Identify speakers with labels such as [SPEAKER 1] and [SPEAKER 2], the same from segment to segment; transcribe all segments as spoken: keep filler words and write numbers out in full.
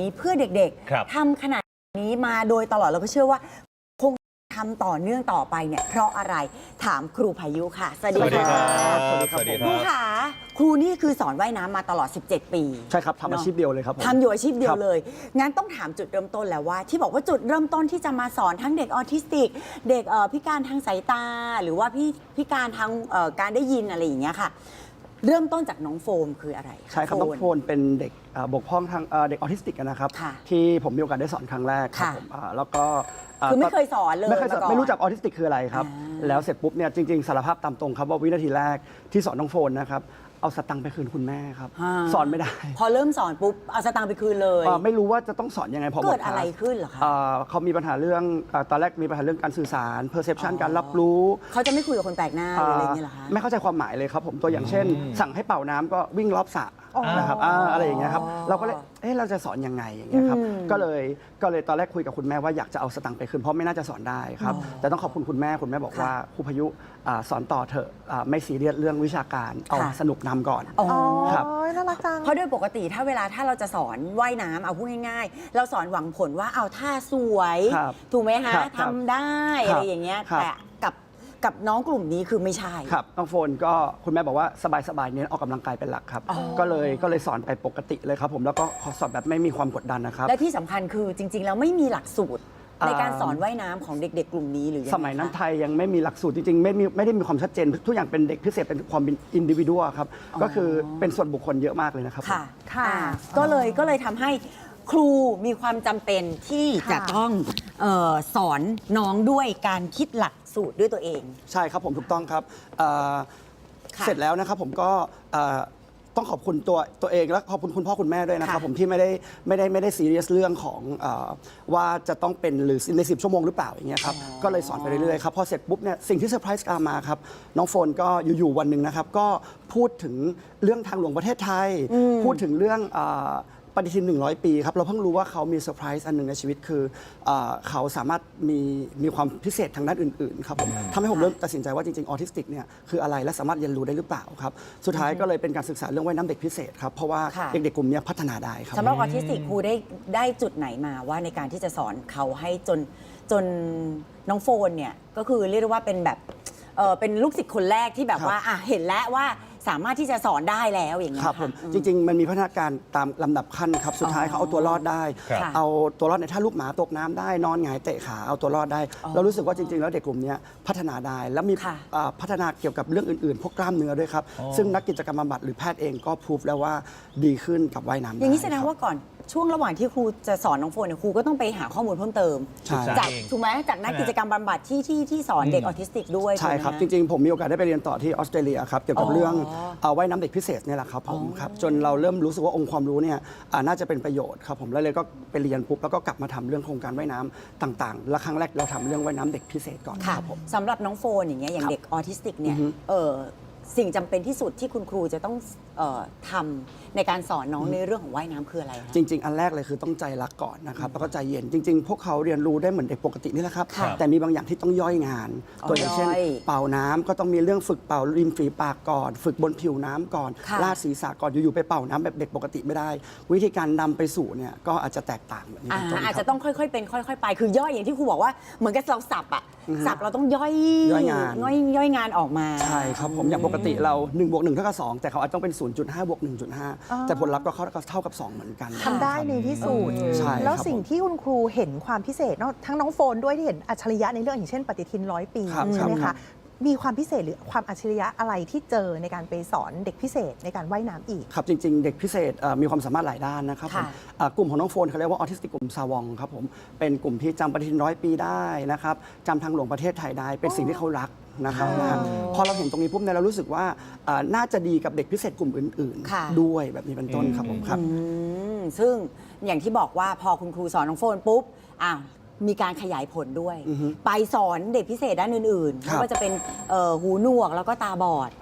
[SPEAKER 1] นี้เพื่อเด็กๆทำขนาดนี้มาโดยตลอดเราก็เชื่อว่าคงทำต่อเนื่องต่อไปเนี่ยเพราะอะไรถามครูพายุค่ะสวัสดีค่ะ
[SPEAKER 2] สวัสดีครับ
[SPEAKER 1] ครูค่ะครูนี่คือสอนว่ายน้ำมาตลอดสิบเจ็ดปี
[SPEAKER 2] ใช่ครับทำอาชีพเดียวเลยครับ
[SPEAKER 1] ทำอยู่อาชีพเดียวเลยงั้นต้องถามจุดเริ่มต้นแล้วว่าที่บอกว่าจุดเริ่มต้นที่จะมาสอนทั้งเด็กออทิสติกเด็กพิการทางสายตาหรือว่าพี่พิการทางการได้ยินอะไรอย่างเงี้ยค่ะเริ่มต้นจากน้องโฟมคืออะไร
[SPEAKER 2] ใช่ครับน้องโฟมเป็นเด็กบกพร่องทางเด็กออทิสติกนะครับที่ผมมีโอกาสได้สอนครั้งแรกครับผมแล้วก็
[SPEAKER 1] คือไม่เคยสอนเลย
[SPEAKER 2] ไม่เคยสอนไม่รู้จักออทิสติกคืออะไรครับแล้วเสร็จปุ๊บเนี่ยจริงๆสารภาพตามตรงครับว่าวินาทีแรกที่สอนน้องโฟมนะครับเอาสตังค์ไปคืนคุณแม่ครับสอนไม่ได้
[SPEAKER 1] พอเริ่มสอนปุ๊บเอาสตังค์ไปคืนเลย
[SPEAKER 2] ไม่รู้ว่าจะต้องสอนยังไงพอ
[SPEAKER 1] เกิดอะไรขึ้นเหรอคะ
[SPEAKER 2] เขามีปัญหาเรื่องตอนแรกมีปัญหาเรื่องการสื่อสาร perception การรับรู้
[SPEAKER 1] เขาจะไม่คุยกับคนแปลกหน้าอะไรอย่างเงี้ยเหรอคะ
[SPEAKER 2] ไม่เข้าใจความหมายเลยครับผมตัวอย่างเช่นสั่งให้เป่าน้ำก็วิ่งรอบสระนะครับอะไรอย่างเงี้ยครับเราก็เลยเอ๊ะเราจะสอนยังไงอย่างเงี้ยครับก็เลยก็เลยตอนแรกคุยกับคุณแม่ว่าอยากจะเอาสตังค์ไปคืนเพราะไม่น่าจะสอนได้ครับแต่ต้องขอบคุณคุณแม่คุณแม่บอกว่าครูพายุสอนต่อเถอะไม่ซีเรียสเรื่องวิชาการเอาสนุกนำก่อน
[SPEAKER 3] ครับน่ารักจัง
[SPEAKER 1] เพราะโดยปกติถ้าเวลาถ้าเราจะสอนว่ายน้ำเอาพูดง่ายๆเราสอนหวังผลว่าเอาท่าสวยถูกไหมฮะทำได้อะไรอย่างเงี้ยแต่กับกับน้องกลุ่มนี้คือไม่ใช่
[SPEAKER 2] ครับน้องโฟนก็คุณแม่บอกว่าสบายๆเน้นออกกำลังกายเป็นหลักครับก็เลยก็เลยสอนไปปกติเลยครับผมแล้วก็สอนแบบไม่มีความกดดันนะครับ
[SPEAKER 1] และที่สำคัญคือจริงๆแล้วไม่มีหลักสูตรในการสอนว่ายน้ำของเด็กๆกลุ่มนี้หรือ
[SPEAKER 2] สมัยนั้นไทยยังไม่มีหลักสูตรจริงๆไม่มีไม่ได้มีความชัดเจนทุกอย่างเป็นเด็กพิเศษเป็นความเป็นอินดิวิวครับก็คือเป็นส่วนบุคคลเยอะมากเลยนะครับ
[SPEAKER 1] ค่ะค่ะก็เลยก็เลยทำให้ครูมีความจำเป็นที่จะต้องเอ่อสอนน้องด้วยการคิดหลักสูตรด้วยตัวเอง
[SPEAKER 2] ใช่ครับผมถูกต้องครับเสร็จแล้วนะครับผมก็ต้องขอบคุณตัวตัวเองและขอบคุณคุณพ่อคุณแม่ด้วยนะครับผมที่ไม่ได้ไม่ได้ไม่ได้ซีเรียสเรื่องของว่าจะต้องเป็นหรือในสิบชั่วโมงหรือเปล่าอย่างเงี้ยครับก็เลยสอนไปเรื่อยๆครับพอเสร็จปุ๊บเนี่ยสิ่งที่เซอร์ไพรส์ตามมาครับน้องโฟนก็อยู่ๆวันหนึ่งนะครับก็พูดถึงเรื่องทางหลวงประเทศไทยพูดถึงเรื่องปฏิทินหนึ่งร้อยปีครับเราเพิ่งรู้ว่าเขามีเซอร์ไพรส์อันหนึ่งในชีวิตคือเขาสามารถมีมีความพิเศษทางด้านอื่นๆครับผมทำให้ผมเริ่มตัดสินใจว่าจริงๆออทิสติกเนี่ยคืออะไรและสามารถเรียนรู้ได้หรือเปล่าครับสุดท้ายก็เลยเป็นการศึกษาเรื่องว่ายน้ำเด็กพิเศษครับเพราะว่าเด็กๆกลุ่มนี้พัฒนาได้ครับ
[SPEAKER 1] สำหรับออทิสติกครูได้ได้จุดไหนมาว่าในการที่จะสอนเขาให้จนจนน้องโฟนเนี่ยก็คือเรียกว่าเป็นแบบเป็นลูกศิษย์คนแรกที่แบบว่าเห็นแล้วว่าสามารถที่จะสอนได้แล้วอย่างเงี้ย
[SPEAKER 2] ครับผมจริงๆมันมีพัฒนาการตามลำดับขั้นครับสุดท้ายเขาเอาตัวรอดได้เอาตัวรอดในท่าลูกหมาตกน้ำได้นอนหงายเตะขาเอาตัวรอดได้เรารู้สึกว่าจริงๆแล้วเด็กกลุ่มนี้พัฒนาได้แล้วมีพัฒนาเกี่ยวกับเรื่องอื่นๆพวกกล้ามเนื้อด้วยครับซึ่งนักกิจกรรมบำบัดหรือแพทย์เองก็พูดแล้วว่าดีขึ้นกับว่ายน้ำ
[SPEAKER 1] อย่างนี้แสดงว่าก่อนช่วงระหว่างที่ครูจะสอนน้องโฟนเนี่ยครูก็ต้องไปหาข้อมูลเพิ่มเติมจากถูกไหมจากนักกิจกรรมบำบัดที่ที่ที่สอนเด็กออทิสติกด้วย
[SPEAKER 2] ใช่ครับจริงๆผมมีโอกาสได้ไปเรียนต่อที่ออสเตรเลียครับเกี่ยวกับเรื่องว่ายน้ำเด็กพิเศษเนี่ยแหละครับผมครับจนเราเริ่มรู้สึกว่าองค์ความรู้เนี่ยน่าจะเป็นประโยชน์ครับผมแล้วเลยก็ไปเรียนปุ๊บแล้วก็กลับมาทำเรื่องโครงการว่ายน้ำต่างๆและครั้งแรกเราทำเรื่องว่ายน้ำเด็กพิเศษก่อนครับผม
[SPEAKER 1] สำหรับน้องโฟนอย่างเงี้ยอย่างเด็กออทิสติกเนี่ยเออสิ่งจำเป็นที่สุดที่คุณครูจะต้องเอ่อทำในการสอนน้องในเรื่องของว่ายน้ำคืออะไร
[SPEAKER 2] จริงๆอันแรกเลยคือต้องใจรักก่อนนะครับแล้วก็ใจเย็นจริงๆพวกเขาเรียนรู้ได้เหมือนเด็กปกตินี่แหละครับแต่มีบางอย่างที่ต้องย่อยงานตัวอย่างเช่นเป่าน้ำก็ต้องมีเรื่องฝึกเป่าริมฝีปากก่อนฝึกบนผิวน้ำก่อนลาดศีรษะก่อนอยู่ๆไปเป่าน้ำแบบเด็กปกติไม่ได้วิธีการนำไปสู่เนี่ยก็อาจจะแตกต่างแบบนี้
[SPEAKER 1] อาจจะต้องค่อยๆเป็นค่อยๆไปคือย่อยอย่างที่ครูบอกว่าเหมือนกับเราสับอะสับเราต้องย่อย
[SPEAKER 2] ย่อยงาน
[SPEAKER 1] ย่อยย่อยงานออกมา
[SPEAKER 2] ใช่ครับผมอย่างปกติเราหนึ่งบวกหนึ่งเท่ากับสองแต่เขาอาจจะต้องเป็น ศูนย์จุดห้า บวก หนึ่งจุดห้า แต่ผลลัพธ์ก็เท่ากับสองเหมือนกัน
[SPEAKER 3] ทำได้ในที่สุดแล้วสิ่งที่คุณครูเห็นความพิเศษทั้งน้องโฟนด้วยที่เห็นอัจฉริยะในเรื่องอย่างเช่นปฏิทินร้อยปีใช่ไหมคะมีความพิเศษหรือความอัจฉริยะอะไรที่เจอในการไปสอนเด็กพิเศษในการว่ายน้ำอีก
[SPEAKER 2] ครับจริงๆเด็กพิเศษมีความสามารถหลายด้านนะครับผมกลุ่มของน้องโฟนเขาเรียกว่าออทิสติกกลุ่มซาวองครับผมเป็นกลุ่มที่จำปฏิทินร้อยปีได้นะครับจำทางหลวงประเทศไทยได้เป็นสิ่งที่เขารักนะครับพอเราเห็นตรงนี้ปุ๊บเนี่ยเรารู้สึกว่าน่าจะดีกับเด็กพิเศษกลุ่มอื่นๆด้วยแบบนี้เป็นต้นครับผมครับ
[SPEAKER 1] ซึ่งอย่างที่บอกว่าพอคุณครูสอนน้องโฟนปุ๊บอ้าวมีการขยายผลด้วยไปสอนเด็กพิเศษด้านอื่นๆไม่ว่าจะเป็นหูหนวกแล้วก็ตาบอด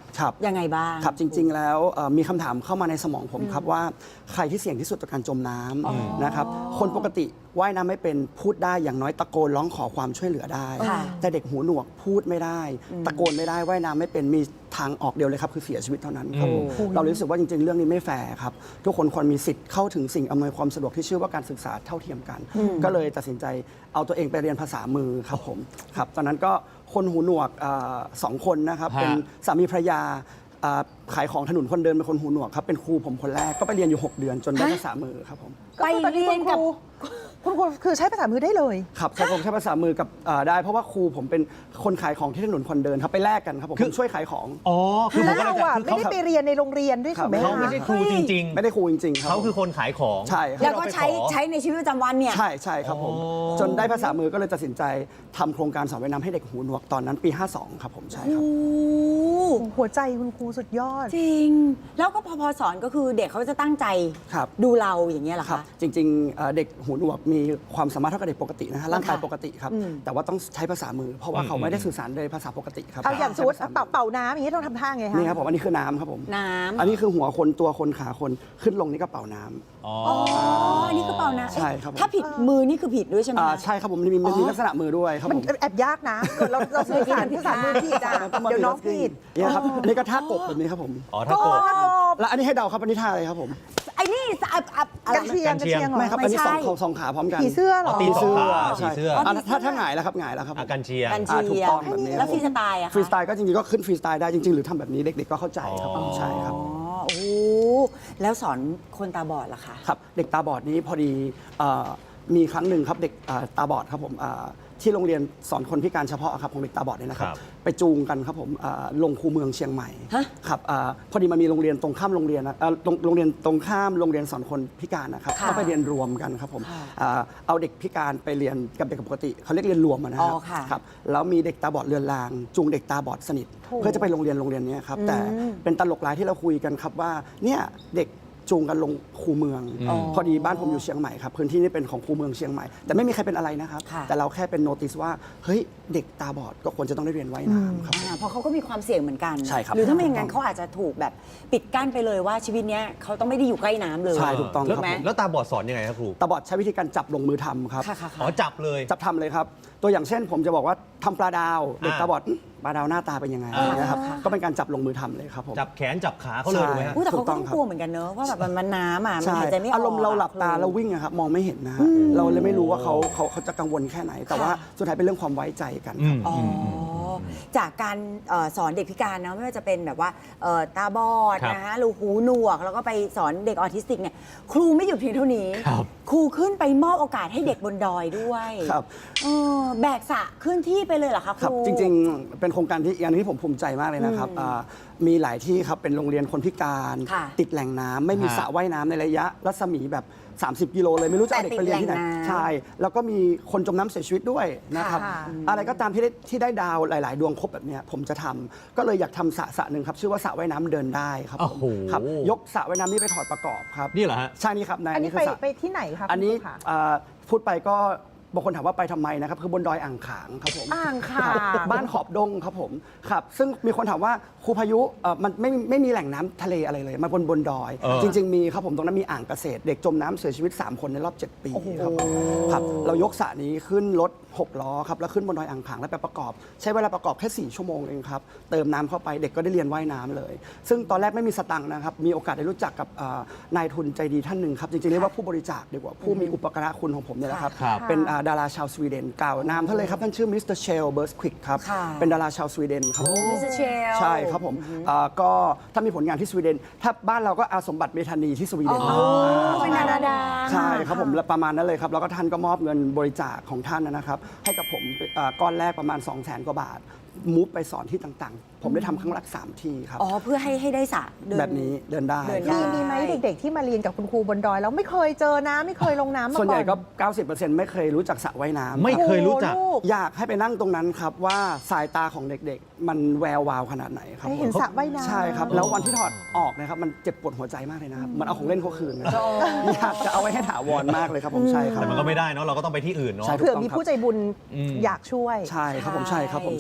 [SPEAKER 2] ครับ
[SPEAKER 1] ยังไงบ้าง
[SPEAKER 2] ครับจริง ๆ แล้วเอ่อมีคำถามเข้ามาในสมองผมครับว่าใครที่เสี่ยงที่สุดต่อการจมน้ำนะครับคนปกติว่ายน้ำไม่เป็นพูดได้อย่างน้อยตะโกนร้องขอความช่วยเหลือได้
[SPEAKER 1] ค่ะ
[SPEAKER 2] แต่เด็กหูหนวกพูดไม่ได้ ตะโกนไม่ได้ว่ายน้ำไม่เป็นมีทางออกเดียวเลยครับคือเสียชีวิตเท่านั้นครับผม
[SPEAKER 3] อืม
[SPEAKER 2] เรารู้สึกว่าจริง ๆ เรื่องนี้ไม่แฟร์ครับทุกคนควรมีสิทธิ์เข้าถึงสิ่งอำนวยความสะดวกที่ชื่อว่าการศึกษาเท่าเทียมกัน ก็เลยตัดสินใจเอาตัวเองไปเรียนภาษามือครับผมครับตอนนั้นก็คนหูหนวกอ่าสองคนนะครับ
[SPEAKER 4] ฮะ
[SPEAKER 2] เป็นสามีภรรยาอ่าขายของถนนคนเดินเป็นคนหูหนวกครับเป็นครูผมคนแรกก็ไปเรียนอยู่ หก เดือนจนได้
[SPEAKER 1] ฮะ
[SPEAKER 2] ภาษามือครับผม
[SPEAKER 3] ก็คือตอนนี้คุณครูคุณครูคือใช้ภาษามือได้เลย
[SPEAKER 2] ครับใช้ผมใช้ภาษามือกับอ่าได้เพราะว่าครูผมเป็นคนขายของที่ถนนคนเดินครับไปแลกกันครับผม
[SPEAKER 4] คือ
[SPEAKER 2] ผมช่วยขายของ
[SPEAKER 4] อ๋อคือผ
[SPEAKER 3] แล้ว
[SPEAKER 4] มก็
[SPEAKER 3] เรา
[SPEAKER 4] เลยจะ
[SPEAKER 3] อ่ะ
[SPEAKER 4] คือ
[SPEAKER 3] ไม่
[SPEAKER 4] เขา
[SPEAKER 3] ได้ไปเรียนในโรงเรียนด้วย
[SPEAKER 2] ครับ
[SPEAKER 3] ถูกไหม
[SPEAKER 4] เขา
[SPEAKER 3] คะ
[SPEAKER 4] ไม่ใช่ครูจริง
[SPEAKER 2] ไม่ได้ครูจริงๆ
[SPEAKER 4] ๆ
[SPEAKER 2] ครับ
[SPEAKER 4] เขาคือคนขายของ
[SPEAKER 2] ใช่ครับ
[SPEAKER 1] แล้วก็
[SPEAKER 4] เราไป
[SPEAKER 1] ใช้
[SPEAKER 4] ขอ
[SPEAKER 1] ใช้ในชีวิตประจำวันเนี่ย
[SPEAKER 2] ใช่ใช่ครับผม
[SPEAKER 4] อ๋อ
[SPEAKER 2] จนได้ภาษามือก็เลยตัดสินใจทำโครงการสอนว่ายน้ำให้เด็กหูหนวกตอนนั้นปี ห้าสองครับผมใช่ครับ
[SPEAKER 1] โอ้
[SPEAKER 3] หัวใจคุณครูสุดยอด
[SPEAKER 1] จริง แล้วก็พอพอสอนก็คือเด็กเขาจะตั้งใจ
[SPEAKER 2] ครับ
[SPEAKER 1] ดูเราอย่างเงี้ยเหรอ
[SPEAKER 2] ครับ
[SPEAKER 1] คะ
[SPEAKER 2] จริงๆเอ่อเด็กหูหนวกมีความสามารถเท่ากับเด็กปกตินะฮะร่างกาย
[SPEAKER 1] ค่ะ
[SPEAKER 2] ปกติครับ
[SPEAKER 1] อืม
[SPEAKER 2] แต่ว่าต้องใช้ภาษามือ เพราะว่าเขาไม่ได้สื่อสารโดยภาษาปกติครับ
[SPEAKER 3] เอาอย่างสมมติ
[SPEAKER 2] ใช้ภษ
[SPEAKER 3] เป่าเป่าน้ำอย่างนี้ต้องทำท่าไงคะ
[SPEAKER 2] นี่ครับผมอันนี้คือน้ำครับผม
[SPEAKER 1] น้ำ
[SPEAKER 2] อันนี้คือหัวคนตัวคนขาคนขึ้นลงนี่ก็เป่าน้ำ
[SPEAKER 4] อ๋อ
[SPEAKER 1] อ๋ออันนี้คือเป่านะ
[SPEAKER 2] ใช่ครับผม
[SPEAKER 1] ถ้าผิดมือนี่คือผิดด้วยใช่ไหม
[SPEAKER 2] อ่า
[SPEAKER 1] คะ
[SPEAKER 2] ใช่ครับผมมีมีมีลักษณะมือด้วยครับ
[SPEAKER 3] มัน
[SPEAKER 2] ผม
[SPEAKER 3] แอบยากนะเกิดเราเราสื่อสารภาษามือผิดอ่ะเดี๋ยวน้องผิด
[SPEAKER 2] เนี่ยครับอันนี้ก็ท่ากบแบบนี้ครับผม
[SPEAKER 4] อ๋อถ้าโกรธ
[SPEAKER 2] แล้วอันนี้ให้เดาครับอันนี้ท่าอะไรครับผม
[SPEAKER 1] ไอ้นี่อับอับอะไร
[SPEAKER 3] กันเชียง
[SPEAKER 4] กันเชียง
[SPEAKER 3] เหรอ
[SPEAKER 2] ไม่ครับ
[SPEAKER 1] ไม่
[SPEAKER 2] อันนี้
[SPEAKER 1] ใช่
[SPEAKER 2] สองสองขาพร้อมกัน
[SPEAKER 3] ผีเสื้อเหรอ
[SPEAKER 4] ตีสองขา
[SPEAKER 2] ใช่
[SPEAKER 4] ผีเสื้อ
[SPEAKER 2] อ่ะถ้าถ้าหงายแล้วครับหงายแล้วครับผม
[SPEAKER 4] อาการเชียง
[SPEAKER 1] กัน
[SPEAKER 2] อ่า
[SPEAKER 1] เชี
[SPEAKER 2] ถู
[SPEAKER 1] ย
[SPEAKER 2] กต้องแบบนี้
[SPEAKER 1] แล้วฟรีสไตล์อะคะ
[SPEAKER 2] ฟรีสไตล์ก็จริงๆก็ขึ้นฟรีสไตล์ได้จริงๆ หรือทำแบบนี้เด็กๆก็เข้าใจครับผม
[SPEAKER 4] อ๋อ
[SPEAKER 2] ใช่ครับ
[SPEAKER 1] อ๋อโอ้โหแล้วสอนคนตาบอดล่ะคะ
[SPEAKER 2] ครับเด็กตาบอดนี้พอดีเอ่อมีครั้งหนึ่งครับเด็กเอ่อตาบอดครับผมเอ่อที่โรงเรียนสอนคนพิการเฉพาะครับของเด็กตาบอดเนี่ยนะครับ
[SPEAKER 4] ครับ
[SPEAKER 2] ไปจูงกันครับผมเอ่อลงคูเมืองเชียงใหม่
[SPEAKER 1] ฮะ
[SPEAKER 2] ครับเอ่อพอดีมันมีโรงเรียนตรงข้ามโรงเรียนนะเอ่อโรงโรงเรียนตรงข้ามโรงเรียนสอนคนพิการนะครับ
[SPEAKER 1] ค่ะ
[SPEAKER 2] ก็ไปเรียนรวมกันครับผม
[SPEAKER 1] ค่ะ
[SPEAKER 2] เอ่อเอาเด็กพิการไปเรียนกับเด็กปกติเขาเรียกเรียนรวมอะนะครั
[SPEAKER 1] อ๋อค่ะ
[SPEAKER 2] ครับแล้วมีเด็กตาบอดเรือนราง จูงเด็กตาบอดสนิท
[SPEAKER 3] โถ่
[SPEAKER 2] เพื่อจะไปโรงเรียนโรงเรียนเนี้ยครับแต่เป็นตลกร้ายที่เราคุยกันครับว่าเนี่ยเด็กจูงกันลงคูเมือง
[SPEAKER 4] อ๋อ
[SPEAKER 2] พอดีบ้านผมอยู่เชียงใหม่ครับพื้นที่นี้เป็นของคูเมืองเชียงใหม่ แต่ไม่มีใครเป็นอะไรนะครับ
[SPEAKER 1] ค่ะ
[SPEAKER 2] แต่เราแค่เป็นโนติสว่าเฮ้ยเด็กตาบอดก็ควรจะต้องได้เรียนว่ายน้ำครับ
[SPEAKER 1] อ่าเพราะเขาก็มีความเสี่ยงเหมือนกัน
[SPEAKER 2] ใช่ครับ
[SPEAKER 1] หรือถ้าไม่อย่างนั้นเขาอาจจะถูกแบบปิดกั้นไปเลยว่าชีวิตเนี้ยเขาต้องไม่ได้อยู่ใกล้น้ำเลย
[SPEAKER 2] ใช่ถูกต้อง
[SPEAKER 4] แล้ว
[SPEAKER 2] ครับผม
[SPEAKER 4] แล้วตาบอดสอนยังไงครับครู
[SPEAKER 2] ตาบอดใช้วิธีการจับลงมือทำครับ
[SPEAKER 1] ค่ะค่ะ
[SPEAKER 4] อ๋อ
[SPEAKER 1] ค่ะ
[SPEAKER 4] จับเลย
[SPEAKER 2] จับทำเลยครับ ตัวอย่างเช่นผมจะบอกว่าทำปลาดาว เด็ก
[SPEAKER 4] อ่า
[SPEAKER 2] ตาบอดอื้อปลาดาวหน้าตาเป็นยังไง
[SPEAKER 4] อ่า
[SPEAKER 2] อย่างเงี้ยครับ
[SPEAKER 1] ค่ะ
[SPEAKER 2] ก็เป็นการจับลงมือทำเลยครับผม
[SPEAKER 4] จับแขนจับขาเขาเลยถูกไหมฮะ
[SPEAKER 1] อุ๊ยแต่เขา
[SPEAKER 2] ถูกต้
[SPEAKER 1] ก็
[SPEAKER 2] อง
[SPEAKER 1] ต้อง
[SPEAKER 2] ครับ
[SPEAKER 1] กลัวเหมือนกันเนอะว่าแบบมันมันน้ำอ่ะมัน
[SPEAKER 2] ใช่
[SPEAKER 1] หายใจไม่ออก
[SPEAKER 2] อารมณ์เราหลับตา
[SPEAKER 1] อะ
[SPEAKER 2] เราวิ่งอะครับมองไม่เห็นนะฮะเราเลยไม่รู้ว่าเขาเขาเขาจะกังวลแค่ไหน แต่ว่าสุดท้ายเป็นเรื่องความไว้ใจกันครับ
[SPEAKER 1] อ๋ออจากการเอ่อสอนเด็กพิการเนอะไม่ว่าจะเป็นแบบว่าเอ่อตาบอด
[SPEAKER 4] ครับ
[SPEAKER 1] นะฮะหรือหูหนวก แล้วก็ไปสอนเด็กออทิสติกเนี่ยครูไม่หยุดเพียงเท่านี้
[SPEAKER 4] ครับ
[SPEAKER 1] ครูขึ้นไปมอบโอกาสให้เด็กบนดอยด้วย
[SPEAKER 2] ครับ
[SPEAKER 1] เออแบกสระขึ้นที่ไปเลยเหรอคะค
[SPEAKER 2] ครับ
[SPEAKER 1] รู
[SPEAKER 2] จริงๆ เป็นโครงการที่อย่างที่ผมภูมิใจมากเลยนะครับอ่ามีหลายที่ครับเป็นโรงเรียนคนพิการ
[SPEAKER 1] ค่ะ
[SPEAKER 2] ติดแหล่งน้ำไม่มี
[SPEAKER 4] ฮะ
[SPEAKER 2] สระว่ายน้ำในระยะรัศมีแบบ สามสิบ กิโลเลยไม่รู้จะเอาเด็กไปเรียนที่ไหน
[SPEAKER 1] แต่ติดแหล่งน้ำ
[SPEAKER 2] ใช่ แล้วก็มีคนจมน้ำเสียชีวิตด้วยนะครับ
[SPEAKER 3] ค่ะ
[SPEAKER 2] อะไรก็ตามที่ได้ที่ได้ดาวหลาย ๆ ดวงครบแบบเนี้ยผมจะทำก็เลยอยากทำสระสระหนึ่งครับชื่อว่าสระว่ายน้ำเดินได้ครับผม
[SPEAKER 4] โอ้โห
[SPEAKER 2] ครับยกสระว่ายน้ำนี้ไปถอดประกอบครับ
[SPEAKER 4] นี่เหรอฮะ
[SPEAKER 2] ใช่นี่ครับนาย
[SPEAKER 3] อัน
[SPEAKER 2] อัน
[SPEAKER 3] นี้
[SPEAKER 2] นี้คื
[SPEAKER 3] ไป
[SPEAKER 2] อสระ
[SPEAKER 3] ไปที่ไหนคะ
[SPEAKER 2] อันนี้
[SPEAKER 3] คุณครูคะ
[SPEAKER 2] อ่าพูดไปก็บางคนถามว่าไปทำไมนะครับคือบนดอยอ่างขางครับผม
[SPEAKER 3] อ่างขาง
[SPEAKER 2] บ้านขอบดงครับผมครับซึ่งมีคนถามว่าครูพายุเอ่อมันไม่ไม่มีแหล่งน้ำทะเลอะไรเลยมาบนบนดอย
[SPEAKER 4] เออ
[SPEAKER 2] จริง ๆ มีครับผมตรงนั้นมีอ่างเกษตร เด็กจมน้ำเสียชีวิต สาม คนในรอบ เจ็ด ปีครับผมครับเรายกสระนี้ขึ้นรถหกล้อครับแล้วขึ้นบนดอยอ่างขางแล้วไปประกอบ ใช้เวลาประกอบแค่สี่ชั่วโมงเองครับเติมน้ำเข้าไปเด็กก็ได้เรียนว่ายน้ำเลย ซึ่งตอนแรกไม่มีสตังค์นะครับมีโอกาสได้รู้จักกับอ่านายทุนใจดีท่านหนึ่งครับจริงๆเรียกว่าผู้บริจาคดีกว่าผู้มีอุปการะคุณของผมเนี่ยแหละครับ
[SPEAKER 4] ครับ
[SPEAKER 2] เป็นอ่าดาราชาวสวีเดนกล่าวนามท่านเลยครับท่านชื่อมิสเตอร์เชลเบิร์สควิกครับ
[SPEAKER 1] ค่ะ
[SPEAKER 2] เป็นดาราชาวสวีเดนครับ
[SPEAKER 1] มิสเตอร์เชล
[SPEAKER 2] ใช่ครับผมอ่าก็ถ้ามีผลงานที่สวีเดน ถ้าบ้านเราก็อาสมบัติเมธานีที่สวีเดน
[SPEAKER 1] อ๋อเป็นดาราดัง
[SPEAKER 2] ใช่ครับผมและประมาณนั้นเลยครับ แล้วก็ท่านก็มอบเงินบริจาคของท่านนะครับ ให้กับผมอ่าก้อนแรกประมาณ 2 0 0 0 0 0 กว่าบาท มูฟไปสอนที่ต่างๆ ผมได้ทำครั้งละสามที่ครับ
[SPEAKER 1] อ๋อเพื่อให้ให้ได้สระเดิน
[SPEAKER 2] แบบนี้เดินได้
[SPEAKER 1] เดินได้
[SPEAKER 3] มีมีไหมเด็กๆที่มาเรียนกับคุณครูบนดอยแล้วไม่เคยเจอน้ำไม่เคยลงน้ำมาก่อน
[SPEAKER 2] ส่วนใหญ่ก็ เก้าสิบเปอร์เซ็นต์ ไม่เคยรู้จักสระว่ายน้ำ
[SPEAKER 4] ไม่เคยรู้จัก
[SPEAKER 3] โอ้ลู
[SPEAKER 2] อยากให้ไปนั่งตรงนั้นครับว่าสายตาของเด็กๆ มันแวววาวขนาดไหนครับ
[SPEAKER 3] ให้
[SPEAKER 2] ผม
[SPEAKER 3] เห็นสระว่ายน้ำ
[SPEAKER 2] ใช่ครับ แล้ววันที่ถอดออกนะครับ มันเจ็บปวดหัวใจมากเลยนะครับ มันเอาของเล่นเขาคืนนะอยากจะเอาไว้ให้ถาวรมากเลยครับผมใช่ครับ
[SPEAKER 4] แต่มันก็ไม่ได้เนาะเราก็ต้องไปที่อื่นเนาะ
[SPEAKER 2] ใช่
[SPEAKER 3] เผื่อมีผู้ใจบุญ
[SPEAKER 4] อืม
[SPEAKER 3] อยากช่วย
[SPEAKER 2] ใช่ครับผมใช่ครับผมใช่ครับ
[SPEAKER 1] เน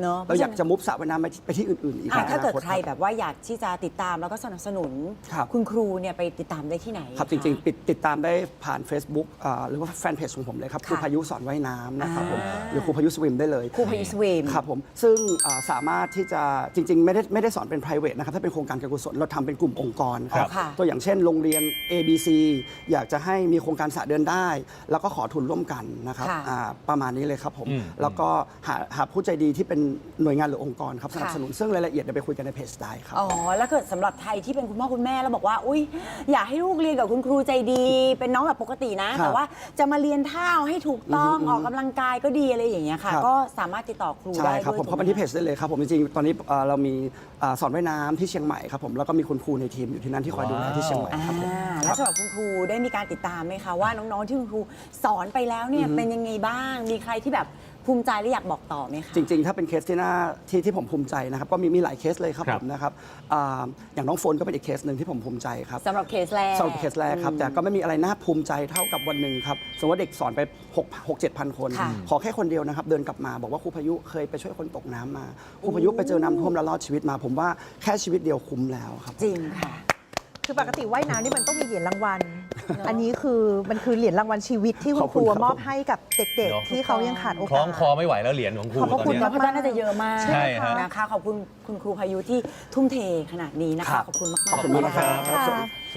[SPEAKER 1] อะ
[SPEAKER 2] เราอยากจะมุฟสระว่ายน้ำไปไปที่อื่นๆอีก
[SPEAKER 1] อ่ะ
[SPEAKER 2] ใน
[SPEAKER 1] ถ้าเกิด
[SPEAKER 2] อนาต
[SPEAKER 1] ใครแบบว่าอยากที่จะติดตามแล้วก็สนับสนุน
[SPEAKER 2] ครับ
[SPEAKER 1] คุณครูเนี่ยไปติดตามได้ที่ไหน
[SPEAKER 2] ครับจริงๆปิดติดตามได้ผ่าน Facebook อ่าหรือว่าแฟนเพจของผมเลยครับ
[SPEAKER 1] ค่ะ
[SPEAKER 2] ครูพายุสอนว่ายน้ำนะครับผม
[SPEAKER 1] อ่า
[SPEAKER 2] หรือครูพายุสวิมได้เลย
[SPEAKER 1] ครูพายุสวิม
[SPEAKER 2] ครับผมซึ่งอ่าสามารถที่จะจริงๆ ไม่ได้ไม่ได้สอนเป็น private นะครับถ้าเป็นโครงการการกุศลเราทำเป็นกลุ่มองค์กรครับ
[SPEAKER 1] อ๋อค่ะ
[SPEAKER 2] ตัวอย่างเช่นโรงเรียน เอ บี ซี อยากจะให้มีโครงการสระเดินได้ แล้วก็ขอทุนร่วมกันนะครับ
[SPEAKER 1] ค่ะ
[SPEAKER 2] อ่าประมาณนี้เลยครับผม
[SPEAKER 4] อืม
[SPEAKER 2] แล้วก็หาหาผู้ใจดีที่เป็นหน่วยงานหรือองค์กรครับสนับสนุนซึ่งรายละเอียดเดี๋ยวไปคุยกันในเพจได้ครับ
[SPEAKER 1] อ๋อ แล้วเกิดสำหรับไทยที่เป็นคุณพ่อคุณแม่แล้วบอกว่า อุ้ยอยากให้ลูกเรียนกับคุณครูใจดี เป็นน้องแบบปกตินะ
[SPEAKER 2] ครับ
[SPEAKER 1] แต่ว่าจะมาเรียนท่าให้ถูกต้อง
[SPEAKER 2] อืม
[SPEAKER 1] ออกกำลังกายก็ดีอะไรอย่างเงี้ยค่ะ
[SPEAKER 2] ครับ
[SPEAKER 1] ก็สามารถติดต่อครู
[SPEAKER 2] ใช่
[SPEAKER 1] ได้
[SPEAKER 2] ครับ
[SPEAKER 1] ด้วย
[SPEAKER 2] ผมเข้าไป
[SPEAKER 1] ถูกไห
[SPEAKER 2] ที่เพจได้เลยครับผมจริงๆตอนนี้เอ่อเรามีอ่าสอนว่ายน้ำที่เชียงใหม่ครับผมแล้วก็มีคุณครูในทีมอยู่ที่นั่นที่คอยดูแลที่เชียงใหม่
[SPEAKER 1] อ่า
[SPEAKER 2] ครับผม
[SPEAKER 1] แล้วสำหรับคุณครูได้มีการติดตามไหมคะว่าน้องๆที่คุณครูสอนไปแล้วเนี่ยเป็นยังไงบ้าง มีใครที่แบบภูมิใจและอยากบอกต่อไหมคะ
[SPEAKER 2] จริงๆ ถ้าเป็นเคสที่น่าที่ที่ผมภูมิใจนะครับก็มีมีหลายเคสเลยครับ
[SPEAKER 4] ครั
[SPEAKER 2] ผ
[SPEAKER 4] บ
[SPEAKER 2] มนะครับอ่าอย่างน้องโฟนก็เป็นอีกเคสหนึ่งที่ผมภูมิใจครับ
[SPEAKER 1] สำหรับเคสแรก
[SPEAKER 2] สำหรับเคสแรกครับแต่ก็ไม่มีอะไรน่าภูมิใจเท่ากับวันหนึ่งครับสมมติว่าเด็กสอนไปหก เจ็ดพันคน
[SPEAKER 1] ค่ะ
[SPEAKER 2] ขอแค่คนเดียวนะครับเดินกลับมาบอกว่าครูพายุเคยไปช่วยคนตกน้ำมาครูพายุไปเจอน้ำท่วมแล้วรอดชีวิตมา ผมว่าแค่ชีวิตเดียวคุ้มแล้วครับ
[SPEAKER 1] จริงค่ะ
[SPEAKER 3] คือปกติว่ายน้ำนี่มันต้องมีเหรียญรางวัล อันนี้คือมันคือเหรียญรางวัลชีวิตที่คุ
[SPEAKER 2] ข
[SPEAKER 3] ณ
[SPEAKER 2] อบ
[SPEAKER 3] ค
[SPEAKER 2] คุณ
[SPEAKER 3] รู
[SPEAKER 2] ครับ
[SPEAKER 3] มอบให้กับเด็ก
[SPEAKER 4] เนอะ
[SPEAKER 3] ๆ ที่เขายังขาดโอ
[SPEAKER 4] คล้
[SPEAKER 3] กา
[SPEAKER 4] อง
[SPEAKER 3] ส
[SPEAKER 4] คอไม่ไหวแล้วเหรียญของครู
[SPEAKER 3] ขอบพระ
[SPEAKER 4] ตอน
[SPEAKER 3] คุณ
[SPEAKER 4] เนี้ย
[SPEAKER 1] เพราะฉะนั้นน่าจะเยอะมาก
[SPEAKER 4] ใช่ฮะ
[SPEAKER 1] นะคะ ขอบคุณคุณครูพายุที่ทุ่มเทขนาดนี้นะคะ
[SPEAKER 2] ครับ
[SPEAKER 1] ขอบคุณมากๆ
[SPEAKER 2] ขอบคุณมากนะครับ
[SPEAKER 3] ค่ะ